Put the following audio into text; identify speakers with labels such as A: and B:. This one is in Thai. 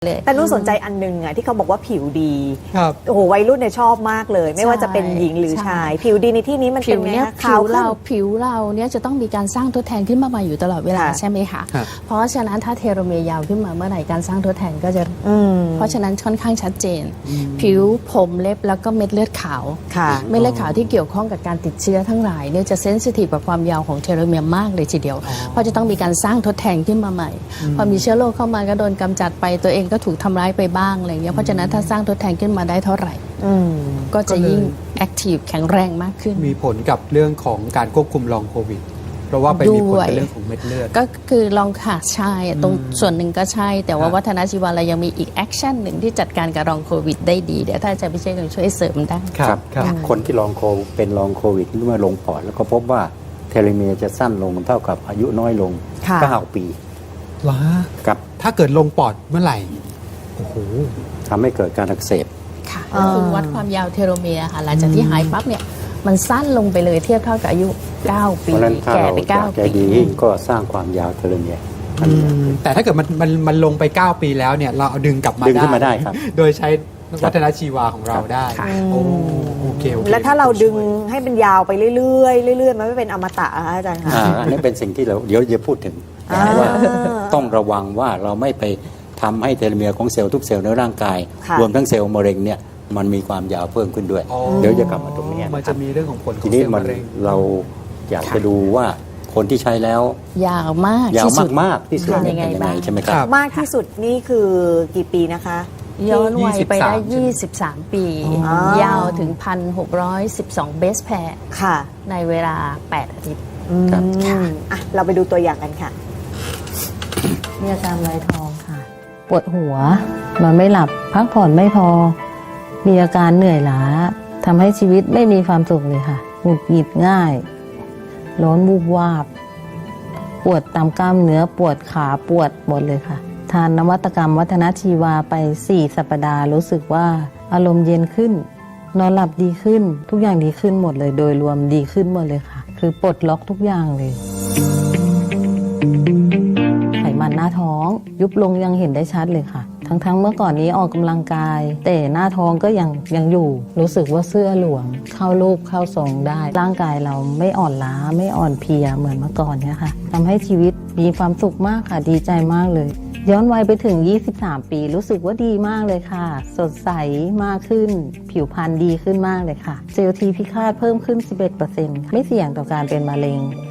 A: เลย
B: แต่นุ่นสนใจอันนึงอ่ะที่เขาบอกว่าผิวดี
C: ครับ
B: โอ้โหวัยรุ่นเนี่ยชอบมากเลย ไม่ว่าจะเป็นหญิงหรือชาย ผิวดีในที่นี้มันเป็นไงคะ
A: ผิวเราเนี่ยจะต้องมีการสร้างทดแทนขึ้นมาใหม่อยู่ตลอดเวลาใช่ไหมคะ เพราะฉะนั้นถ้าเทโลเมียร์ยาวขึ้นมาเมื่อไหร่การสร้างทดแทนก็จะเพราะฉะนั้นค่อนข้างชัดเจน ผิวผมเล็บแล้วก็เม็ดเลือดขาวเม็ดเลือดขาวที่เกี่ยวข้องกับการติดเชื้อทั้งหลายเนี่ยจะเซนซิทีฟกับความยาวของเทโลเมียร์มากเลยทีเดียวเพราะจะต้องมีการสร้างทดแทนขึ้นมาใหม่พอมีเชื้อโรคเข้ามาก็โดนกำจัดไปตัวเองก็ถูกทำร้ายไปบ้างอะไรอย่างเงี้ยเพราะฉะนั้นถ้าสร้างทดแทนขึ้นมาได้เท่าไหร่ก็จะยิ่งแอคทีฟแข็งแรงมากขึ้น
C: มีผลกับเรื่องของการควบคุมลองโควิดเพราะว่าไปมีผลกับเรื่องของเม็ดเลือด
A: ก็คือลองค่ะใช่ตรงส่วนหนึ่งก็ใช่แต่ว่าวัฒนชีวะเรายังมีอีกแอคชั่นหนึ่งที่จัดการกับลองโควิดได้ดีเดี๋ยวถ้าอาจารย์พิเชษฐ์ช่วยเสริมได้
D: ครับคนที่เป็นลองโควิดเมื่อลงปอดแล้วก็พบว่าเทโลเมียร์จะสั้นลงเท่ากับอายุน้อยลง9 ปี
C: ว้า
D: ครับ
C: ถ้าเกิดลงปอดเมื่อไหร่โอ้โห
D: ทำให้เกิดการอักเสบ
A: ค่ะก็คือวัดความยาวเทโลเมียร์ค่ะหลังจากที่หายปั๊บเนี่ยมันสั้นลงไปเลยเทียบเท่ากับอายุ9 ปีแก่ไป9 ปี
D: ดีก็สร้างความยาวเทโลเมียร์
C: แต่ถ้าเกิดมันลงไป9 ปีแล้วเนี่ยเราเอาดึงกลับมา
D: ได้ครับ
C: โดยใช้วัฒนชีวาของเราได้โอเค
B: แล้วถ้าเราดึงให้มันยาวไปเรื่อยๆมันไม่เป็นอมตะอาจารย์คะ
D: อันนี้เป็นสิ่งที่เราเดี๋ยวจะพูดถึงว่าต้องระวังว่าเราไม่ไปทำให้เทโลเมียร์ของเซลล์ทุกเซลล์ในร่างกายรวมทั้งเซลล์มะเร็งเนี่ยมันมีความยาวเพิ่มขึ้นด้วยเดี๋ยวจะกลับมาตรงนี้
C: มันจะมีเรื่องของผลของ
D: เซลล์มะเร็งเราอยากจะดูว่าคนที่ใช้แล้ว
A: ยาวมาก
D: ที่สุดเป็นยังไงใช่ไหมครับ
B: มากที่สุดนี่คือกี่ปีนะคะ
A: ย้อนวัยไปได้23 ปียาวถึง 1,612 เบสแพร์ในเวลา8 อาทิตย์
B: เราไปดูตัวอย่างกันค่ะ
E: มีอาการไวทองค่ะปวดหัวนอนไม่หลับพักผ่อนไม่พอมีอาการเหนื่อยล้าทำให้ชีวิตไม่มีความสุขเลยค่ะหงุดหงิดง่ายร้อนวูบวาบปวดตามกล้ามเนื้อปวดขาปวดหมดเลยค่ะทานนวัตกรรมวัฒนชีวาไป4 สัปดาห์รู้สึกว่าอารมณ์เย็นขึ้นนอนหลับดีขึ้นทุกอย่างดีขึ้นหมดเลยโดยรวมดีขึ้นหมดเลยค่ะคือปลดล็อกทุกอย่างเลยไขมันหน้าท้องยุบลงยังเห็นได้ชัดเลยค่ะทั้งเมื่อก่อนนี้ออกกำลังกายแต่หน้าท้องก็ยังอยู่รู้สึกว่าเสื้อหลวมเข้ารูปเข้าทรงได้ร่างกายเราไม่อ่อนล้าไม่อ่อนเพลียเหมือนเมื่อก่อนเนี่ยค่ะทำให้ชีวิตมีความสุขมากค่ะดีใจมากเลยย้อนวัยไปถึง23 ปีรู้สึกว่าดีมากเลยค่ะสดใสมากขึ้นผิวพรรณดีขึ้นมากเลยค่ะเซลล์ทีพิฆาตเพิ่มขึ้น 11% ไม่เสี่ยงต่อการเป็นมะเร็ง